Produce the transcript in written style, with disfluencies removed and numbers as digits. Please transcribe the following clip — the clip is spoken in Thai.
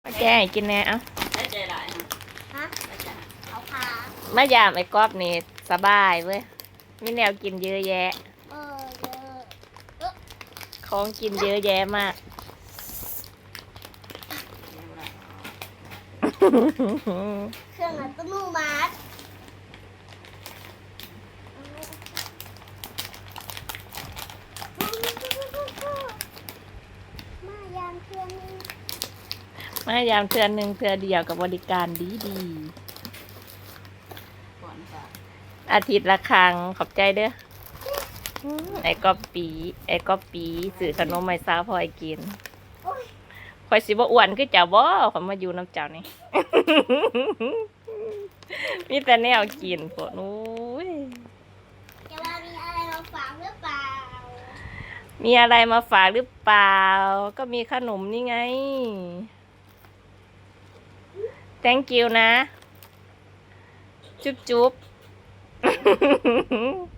มาแก้ให้กินแน่เอ้าได้ใจหลายฮะฮะได้ใจเอาขามายามไอ้ก๊อบนี่สบายเว้ยมีแนวกินเยอะแยะเยอะของกินเยอะแยะมากเครื่องอัตโนมัติมายามเครื่องนึงมายามเทือนหนึ่งเทือเดียวกับบริการดีก่อนค่ะอาทิตย์ละครั้งขอบใจเด้อไอ้ก๊อบปีสื่อขนมไม่ซาวพอไอ้กินโอ้ยคอยสิบ่อ้วนคือเจ้าบ่ขอยมาอยู่น้ำเจ้านี่ มีแต่แนวกินพวกนู้ยจะว่ามีอะไรมาฝากหรือเปล่ามีอะไรมาฝากหรือเปล่า ก็มีขนมนี่ไง thank you นะ จุ๊บ